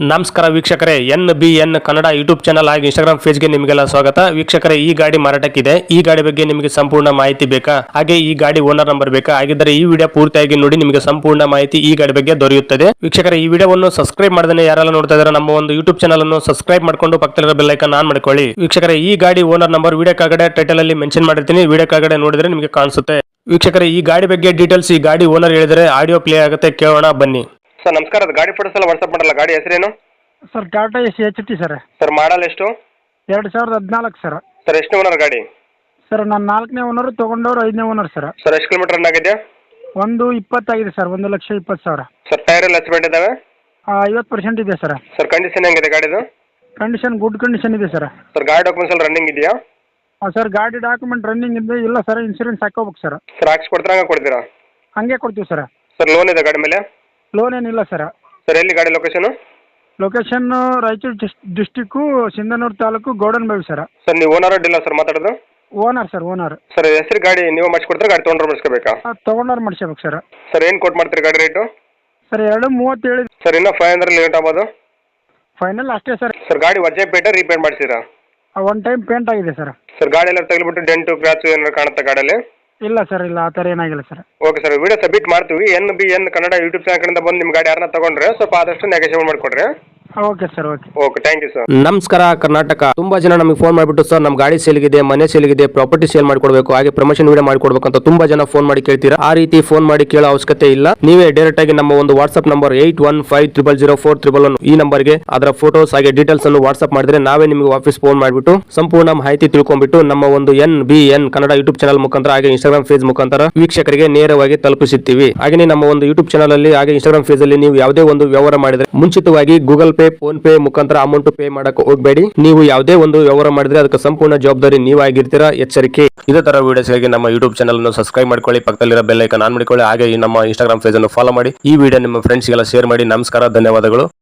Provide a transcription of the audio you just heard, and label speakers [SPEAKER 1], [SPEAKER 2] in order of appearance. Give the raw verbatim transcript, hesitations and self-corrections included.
[SPEAKER 1] ನಮಸ್ಕಾರ ವೀಕ್ಷಕರೇ, N B N Kannada YouTube channel ಹಾಗೂ ಇನ್ಸ್ಟಾಗ್ರಾಮ್ ಪೇಜ್ಗೆ ನಿಮಗೆಲ್ಲ ಸ್ವಾಗತ. ವೀಕ್ಷಕರೇ, ಈ ಗಾಡಿ ಮಾರಾಟಕ್ಕಿದೆ. ಈ ಗಾಡಿ ಬಗ್ಗೆ ನಿಮಗೆ ಸಂಪೂರ್ಣ ಮಾಹಿತಿ ಬೇಕಾ, ಹಾಗೆ ಈ ಗಾಡಿ ಓನರ್ ನಂಬರ್ ಬೇಕಾ? ಹಾಗಿದ್ದರೆ ಈ ವಿಡಿಯೋ ಪೂರ್ತಿಯಾಗಿ ನೋಡಿ, ನಿಮಗೆ ಸಂಪೂರ್ಣ ಮಾಹಿತಿ ಈ ಗಾಡಿ ಬಗ್ಗೆ ದೊರೆಯುತ್ತದೆ. ವೀಕ್ಷಕರೇ, ಈ ವಿಡಿಯೋವನ್ನು ಸಬ್ಸ್ಕ್ರೈಬ್ ಮಾಡದೇ ಯಾರೆಲ್ಲ ನೋಡ್ತಾ ಇದ್ದಾರೆ ನಮ್ಮ ಒಂದು ಯೂಟ್ಯೂಬ್ ಚಾನಲ್ ಅನ್ನು ಸಬ್ಸ್ಕ್ರೈಬ್ ಮಾಡ್ಕೊಂಡು ಪಕ್ಕದಲ್ಲಿರೋ ಬೆಲ್ ಐಕಾನ್ ಆನ್ ಮಾಡ್ಕೊಳ್ಳಿ. ವೀಕ್ಷಕರೇ, ಈ ಗಾಡಿ ಓನರ್ ನಂಬರ್ ವಿಡಿಯೋ ಕೆಳಗಡೆ ಟೈಟಲ್ ಅಲ್ಲಿ ಮೆನ್ಷನ್ ಮಾಡಿರ್ತೀನಿ, ವಿಡಿಯೋ ಕೆಳಗಡೆ ನೋಡಿದ್ರೆ ನಿಮಗೆ ಕಾಣಿಸುತ್ತೆ. ವೀಕ್ಷಕರೇ, ಈ ಗಾಡಿ ಬಗ್ಗೆ ಡೀಟೇಲ್ಸ್ ಈ ಗಾಡಿ ಓನರ್ ಹೇಳಿದರೆ ಆಡಿಯೋ ಪ್ಲೇ ಆಗುತ್ತೆ, ಕೇಳೋಣ ಬನ್ನಿ.
[SPEAKER 2] ಸರ್ ನಮಸ್ಕಾರ, ಅದು ಗಾಡಿ ಫೋಟೋಸ್ ಎಲ್ಲ ವಾಟ್ಸಪ್ ಮಾಡಲ್ಲ. ಗಾಡಿ ಹೆಸರೇನು
[SPEAKER 3] sir? Tata S H T sir.
[SPEAKER 2] Sir model ಎಷ್ಟು?
[SPEAKER 3] ಎರಡು ಸಾವಿರದ ಹದಿನಾಲ್ಕು ಸರ್.
[SPEAKER 2] ಸರ್ ಎಷ್ಟು ಓನರ್ ಗಾಡಿ?
[SPEAKER 3] ಸರ್ ನಾನು ನಾಲ್ಕನೇ ಓನರ್, ತೊಗೊಂಡವ್ರು ಐದನೇ ಓನರ್ ಸರ್.
[SPEAKER 2] ಸರ್ ಎಷ್ಟು ಕಿಲೋಮೀಟರ್ ರನ್ ಆಗಿದೆ?
[SPEAKER 3] ಒಂದು ಇಪ್ಪತ್ತಾಗಿದೆ ಸರ್, ಒಂದು ಲಕ್ಷ ಇಪ್ಪತ್ತು ಸಾವಿರ.
[SPEAKER 2] ಸರ್ ಟೈರ್ ಎಲ್ಲ ಹಚ್ಬೇಟ್ ಇದಾವೆ?
[SPEAKER 3] ಐವತ್ತು ಪರ್ಸೆಂಟ್ ಇದೆ ಸರ್.
[SPEAKER 2] ಸರ್ ಕಂಡೀಷನ್ ಹೆಂಗಿದೆ ಗಾಡಿದು?
[SPEAKER 3] ಕಂಡೀಷನ್ ಗುಡ್ ಕಂಡೀಷನ್ ಇದೆ ಸರ್.
[SPEAKER 2] ಸರ್ ಗಾಡಿ ಡಾಕ್ಯುಮೆಂಟ್ಸ್ ಎಲ್ಲ ರನ್ನಿಂಗ್ ಇದೆಯಾ?
[SPEAKER 3] ಸರ್ ಗಾಡಿ ಡಾಕ್ಯುಮೆಂಟ್ ರನ್ನಿಂಗ್ ಇದೆ ಇಲ್ಲ ಸರ್, ಇನ್ಸೂರೆನ್ಸ್ ಹಾಕೋಬೇಕು ಸರ್.
[SPEAKER 2] ಸರ್ ಹಾಕ್ಸಿ ಕೊಡ್ತೀರಾ, ಹಂಗೆ ಕೊಡ್ತೀರಾ?
[SPEAKER 3] ಹಂಗೆ ಕೊಡ್ತೀವಿ ಸರ್.
[SPEAKER 2] ಸರ್ ಲೋನ್ ಇದೆ ಗಾಡಿ ಮೇಲೆ?
[SPEAKER 3] ಲೋನ್ ಏನಿಲ್ಲ ಸರ್.
[SPEAKER 2] ಸರ್ ಎಲ್ಲಿ ಗಾಡಿ ಲೊಕೇಶನು?
[SPEAKER 3] ಲೊಕೇಶನ್ ರಾಯಚೂರು ಡಿಸ್ district Sindhanur taluk Gowdan Bhavi sir.
[SPEAKER 2] Sir ನೀವು ಓನರ್ ಅಡ್ಡಿಲ್ಲ ಸರ್ ಮಾತಾಡೋದು?
[SPEAKER 3] Owner sir, owner.
[SPEAKER 2] ಸರ್ ಹೆಸರು ಗಾಡಿ ನೀವು ಮಾಡಿಸ್ಕೊಡ್ತೀರಾ, ಗಾಡಿ ತೊಗೊಂಡ್ರೆ ಮಾಡಿಸ್ಕೋಬೇಕಾ?
[SPEAKER 3] ತೊಗೊಂಡವ್ರು ಮಾಡಿಸ್ಬೇಕು ಸರ್.
[SPEAKER 2] ಸರ್ ಏನು ಕೊಟ್ಟು ಮಾಡ್ತೀರಿ ಗಾಡಿ ರೇಟು?
[SPEAKER 3] ಸರ್ ಎರಡು ಮೂವತ್ತೇಳು.
[SPEAKER 2] ಸರ್ ಇನ್ನೂ ಫೈವ್ ಹಂಡ್ರೆಡ್ ಲೇಟ್ ಆಗ್ಬೋದು?
[SPEAKER 3] ಫೈನಲ್ ಅಷ್ಟೇ ಸರ್.
[SPEAKER 2] ಸರ್ ಗಾಡಿ ವಜೆ ಪೇಟ ರೀಪೇಂಟ್ ಮಾಡಿಸಿರಾ?
[SPEAKER 3] ಒನ್ ಟೈಮ್ ಪೇಂಟ್ ಆಗಿದೆ ಸರ್.
[SPEAKER 2] ಸರ್ ಗಾಡಿ ಎಲ್ಲ ತಗ್ಲಿಬಿಟ್ಟು ಡೆಂಟು ಕ್ರಾಚು ಏನಾರು ಕಾಣುತ್ತಾ ಗಾಡಿಯಲ್ಲಿ?
[SPEAKER 3] ಇಲ್ಲ ಸರ್, ಇಲ್ಲ ಆ ಥರ ಏನಾಗಿಲ್ಲ sir.
[SPEAKER 2] Okay sir, video submit ಮಾಡ್ತೀವಿ. N B N Kannada YouTube channel ಕಡೆಯಿಂದ ಬಂದು ನಿಮ್ಮ ಗಾಡಿ ಯಾರನ್ನ ತಗೊಂಡ್ರೆ ಸ್ವಲ್ಪ ಆದಷ್ಟು ನೆಗೋಷಿಯೇಟ್ ಮಾಡಿಕೊಡ್ರಿ.
[SPEAKER 3] Okay sir, okay
[SPEAKER 2] okay, thank you sir.
[SPEAKER 1] ನಮಸ್ಕಾರ ಕರ್ನಾಟಕ. ತುಂಬಾ ಜನ ನಮಗೆ ಫೋನ್ ಮಾಡಿಬಿಟ್ಟು ಸರ್ ನಮ್ಮ ಗಾಡಿ ಸೇಲ್ಗಿದೆ, ಮನೆ ಸೇಲ್ಗಿದೆ, ಪ್ರಾಪರ್ಟಿ ಸೇಲ್ ಮಾಡಿಕೊಡ್ಬೇಕು, ಹಾಗೆ ಪ್ರಮೋಷನ್ ವಿಡಿಯೋ ಮಾಡಿಕೊಡ್ಬೇಕು ಅಂತ ತುಂಬಾ ಜನ ಫೋನ್ ಮಾಡಿ ಕೇಳ್ತೀರಾ. ಆ ರೀತಿ ಫೋನ್ ಮಾಡಿ ಕೇಳೋ ಅವಶ್ಯಕತೆ ಇಲ್ಲ. ನೀವೇ ಡೈರೆಕ್ಟ್ ಆಗಿ ನಮ್ಮ ಒಂದು WhatsApp number eight one five triple zero four triple one ಈ ನಂಬರ್ಗೆ ಅದರ ಫೋಟೋಸ್ ಹಾಗೆ ಡೀಟೇಲ್ಸ್ ಅನ್ನು ವಾಟ್ಸ್ಆಪ್ ಮಾಡಿದ್ರೆ ನಾವೇ ನಿಮಗೆ ವಾಪಸ್ ಫೋನ್ ಮಾಡಿಬಿಟ್ಟು ಸಂಪೂರ್ಣ ಮಾಹಿತಿ ತಿಳ್ಕೊಂಡ್ಬಿಟ್ಟು ನಮ್ಮ ಒಂದು N B N Kannada YouTube channel ಮುಖಾಂತರ ಹಾಗೆ ಇನ್ಸ್ಟಾಗ್ರಾಮ್ ಪೇಜ್ ಮುಖಾಂತರ ವೀಕ್ಷಕರಿಗೆ ನೇರವಾಗಿ ತಲುಪಿಸುತ್ತೀವಿ. ಹಾಗೆ ನಮ್ಮ ಒಂದು ಯೂಟ್ಯೂಬ್ ಚಾನಲ್ ಅಲ್ಲಿ ಹಾಗೆ ಇನ್ಸ್ಟಾಗ್ರಾಮ್ ಪೇಜ್ ಅಲ್ಲಿ ನೀವು ಯಾವುದೇ ಒಂದು ವ್ಯವಹಾರ ಮಾಡಿದ್ರೆ ಮುಂಚಿತವಾಗಿ ಗೂಗಲ್ ಪೇ, ಫೋನ್ ಪೇ ಮುಖಾಂತರ ಅಮೌಂಟ್ ಪೇ ಮಾಡಕ್ಕೆ ಹೋಗಬೇಡಿ. ನೀವು ಯಾವುದೇ ಒಂದು ವ್ಯವಹಾರ ಮಾಡಿದ್ರೆ ಅದಕ್ಕೆ ಸಂಪೂರ್ಣ ಜವಾಬ್ದಾರಿ ನೀವಾಗಿರ್ತೀರಾ, ಎಚ್ಚರಿಕೆ. ಇದೇ ತರ ವಿಡಿಯೋಸ್ಗಾಗಿ ನಮ್ಮ ಯೂಟ್ಯೂಬ್ ಚಾನಲ್ ಅನ್ನು ಸಬ್ಸ್ಕ್ರೈಬ್ ಮಾಡ್ಕೊಳ್ಳಿ, ಪಕ್ಕದಲ್ಲಿರೋ ಬೆಲ್ ಐಕಾನ್ ಆನ್ ಮಾಡಿಕೊಳ್ಳಿ, ಹಾಗೆ ಈ ನಮ್ಮ ಇನ್ಸ್ಟಾಗ್ರಾಮ್ ಪೇಜ್ ಅನ್ನು ಫಾಲೋ ಮಾಡಿ. ಈ ವಿಡಿಯೋ ನಿಮ್ಮ ಫ್ರೆಂಡ್ಸ್ಗೆಲ್ಲ ಶೇರ್ ಮಾಡಿ. ನಮಸ್ಕಾರ, ಧನ್ಯವಾದಗಳು.